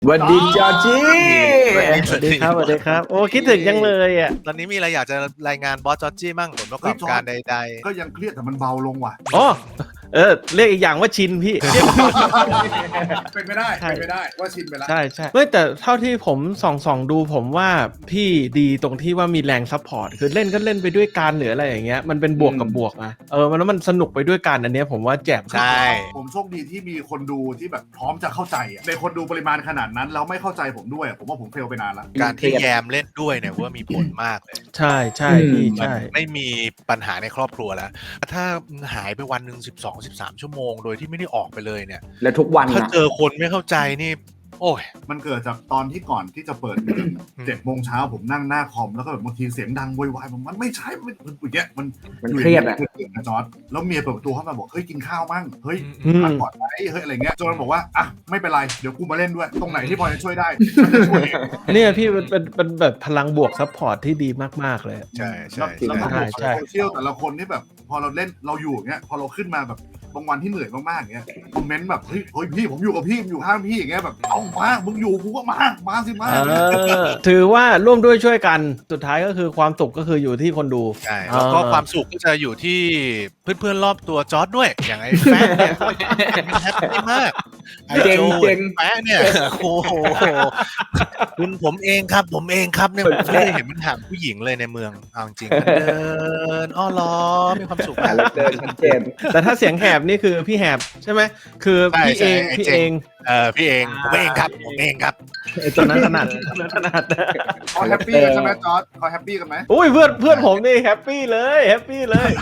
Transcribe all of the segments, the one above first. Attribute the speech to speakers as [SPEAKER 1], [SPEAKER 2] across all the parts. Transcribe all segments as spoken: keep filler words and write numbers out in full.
[SPEAKER 1] สวัสดีจอร์จี้
[SPEAKER 2] สวัสดีครับสวัสดีครับโอ้คิดถึงยังเลยอ่ะ
[SPEAKER 3] ตอนนี้มีอะไรอยากจะรายงานบอสจอร์จี้มั่งผลประกอบการใดๆ
[SPEAKER 4] ก็ยังเครียดแต่มันเบาลงว่ะ
[SPEAKER 2] อ๋อเออเรียกอีกอย่างว่าชินพี่
[SPEAKER 4] เป็นไม่ได้เป็นไม่ได้ว่าชินไปแล้ว
[SPEAKER 2] ใช่ใช่ไม่แต่เท่าที่ผมส่องส่องดูผมว่าพี่ดีตรงที่ว่ามีแรงซัพพอร์ตคือเล่นก็เล่นไปด้วยกันหรืออะไรอย่างเงี้ยมันเป็นบวกกับบวกนะเออมันแล้วมันสนุกไปด้วยกันอันเนี้ยผมว่าแจ่ม
[SPEAKER 3] ใช่
[SPEAKER 4] ผมโชคดีที่มีคนดูที่แบบพร้อมจะเข้าใจอะในคนดูปริมาณขนาดนั้นแล้วไม่เข้าใจผมด้วยผมว่าผมเฟลไปนานแล้ว
[SPEAKER 3] การที่แยมเล่นด้วยเนี่ยว่ามีผลมากเลย
[SPEAKER 2] ใช่ใช่พี่ใช่
[SPEAKER 3] ไม่มีปัญหาในครอบครัวแล้วถ้าหายไปวันหนึ่งสิบสอง สิบสามชั่วโมงโดยที่ไม่ได้ออกไปเลยเนี่ย
[SPEAKER 1] แล้วทุกวัน
[SPEAKER 3] ถ้าเจอคนไม่เข้าใจนี่โอ้ย
[SPEAKER 4] มันเกิดจากตอนที่ก่อนที่จะเปิดเจ็ดโมงเช้าผมนั่งหน้าคอมแล้วก็แบบบางทีเสียงดังโวยวายมันไม่ใช่มันอย่างเงี้ยมัน
[SPEAKER 1] มันเครียดอะ
[SPEAKER 4] นะจอร์ดแล้วเมียเปิดประตูเข้ามาบอกเฮ้ยกินข้าวมั่งเฮ้ยพักก่อนไหมเฮ้ยอะไรเงี้ยจนมันบอกว่าอ่ะไม่เป็นไรเดี๋ยวกูมาเล่นด้วยตรงไหนที่พอจะช่วยได้ช่วย
[SPEAKER 2] เนี่ยพี่เป็นเป็นเป็นแบบพลังบวกซัพพอร์ตที่ดีมากๆเลย
[SPEAKER 3] ใช่ใช่
[SPEAKER 4] แล้ว
[SPEAKER 2] ใช่ใช่
[SPEAKER 4] โซเชียลแต่ละคนที่แบบพอเราเล่นเราอยู่เงี้ยพอเราขึ้นมาแบบบางวันที่เหนื่อยมากๆเงี้ยคอมเมนต์แบบเฮ้ยเฮ้ยพี่ผมอยู่กับพี่ผมอยู่ข้างพี่อย่างเงี้ยแบบเอามามึงอยู่กูก็มามาสิมา
[SPEAKER 2] ถือว่าร่วมด้วยช่วยกันสุดท้ายก็คือความสุขก็คืออยู่ที่คนดู
[SPEAKER 3] ใช่แล้วก็ความสุขก็จะอยู่ที่เพื่อนๆรอบตัวจอร์ดด้วยอย่างไอ้แฟนเนี่ยแฮปปี้มาก
[SPEAKER 1] เจ๋งเจ๋ง
[SPEAKER 3] แฟนเนี่ยโอ้โหคุณผมเองครับผมเองครับเนี่ยผมไม่ได้เห็นมันถามผู้หญิงเลยในเมืองเอาจริงเดินอ้อล้อมีความสุข
[SPEAKER 1] แล้วเดินชัดเจน
[SPEAKER 2] แต่ถ้าเสียงแหบนี่คือพี่แหบใช่ไหมคือพี่เองพี่เอง
[SPEAKER 3] เออพี่เองผมเองครับผมเองครับ
[SPEAKER 2] ตอนนั้นถนัดตอนนั้นถนัด
[SPEAKER 4] เขาแฮปปี้กันใช่ไหมจอร์ดเขาแฮปปี้กันไหม
[SPEAKER 2] อุ้ยเพื่อนเพื่อนผมนี่แฮปปี้เลยแฮปปี้เลย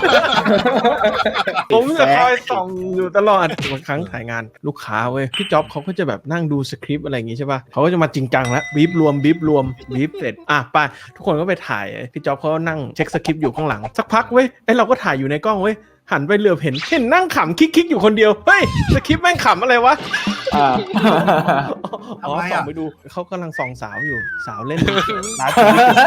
[SPEAKER 2] ผมจะคอยส่องอยู่ตลอดบางครั้งถ่ายงานลูกค้าเว้ยพี่จ๊อบเขาก็จะแบบนั่งดูสคริปต์อะไรอย่างงี้ใช่ป่ะเขาก็จะมาจริงจังแล้วบีบรวมบีบรวมบีบเสร็จอ่ะไปทุกคนก็ไปถ่ายพี่จ๊อบเขานั่งเช็คสคริปต์อยู่ข้างหลังสักพักเว้ยไอเราก็ถ่ายอยู่ในกล้องเว้ยหันไปเหลือบเห็นเห็นนั่งขำคิกๆอยู่คนเดียวเฮ้ยสคริปต์แม่งขำอะไรวะอ๋อส่องไปดูเขากำลังส่องสาวอยู่สาวเล่นร้าน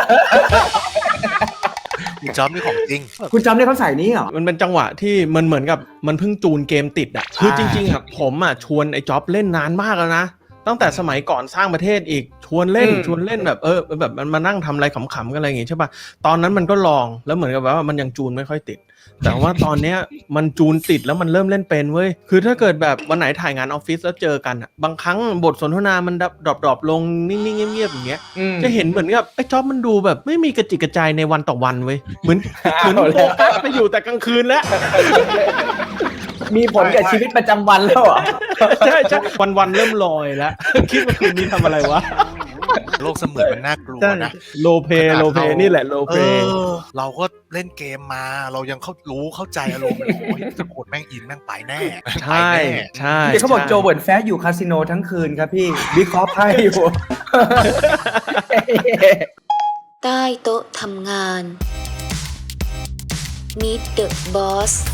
[SPEAKER 3] คุณจ๊อบนี่ของจริง
[SPEAKER 1] คุณจำได้เขาใส่นี้เหรอ
[SPEAKER 2] มันเป็นจังหวะที่มันเหมือนกับมันเพิ่งจูนเกมติดอ่ะคือจริงๆอ่ะผมอ่ะชวนไอ้จ๊อบเล่นนานมากแล้วนะตั้งแต่สมัยก่อนสร้างประเทศอีกชวนเล่นชวนเล่นแบบเออแบบมันมานั่งทำอะไรขำๆกันอะไรอย่างงี้ใช่ป่ะตอนนั้นมันก็ลองแล้วเหมือนกับว่ามันยังจูนไม่ค่อยติดแต่ว่าตอนเนี้ยมันจูนติดแล้วมันเริ่มเล่นเป็นเว้ยคือถ้าเกิดแบบวันไหนถ่ายงานออฟฟิศแล้วเจอกันอ่ะบางครั้งบทสนทนามันดรอปดรอปลงนิ่งๆเงียบๆอย่างเงี้ยจะเห็นเหมือนกับไอ้จ๊อบมันดูแบบไม่มีกระจิกกระจายในวันต่อวันเว้ยเหมือนเหมือนโฟกัสไปอยู่แต่กลางคืนแล้ว
[SPEAKER 1] มีผลกับชีวิตประจำวันแล้วเหรอ
[SPEAKER 2] ใช่ใช่วันวันเริ่มลอยแล้วคิดว่าคืนนี้ทำอะไรวะ
[SPEAKER 3] โลกเสมือนมันน่ากลัวนะ
[SPEAKER 2] โลเพโลเพนี่แหละโลเพ
[SPEAKER 3] เราก็เล่นเกมมาเรายังเข้ารู้เข้าใจอารมณ์โอ้ยสะกดแม่งอินแม่งไปแน่
[SPEAKER 2] ใช่ใช่
[SPEAKER 1] เขาบอกโจเวิร์ดแฟร์อยู่คาสิโนทั้งคืนครับพี่วิเคราะห์ไพ่อยู่
[SPEAKER 5] ใต้โต๊ะทำงาน Meet the Boss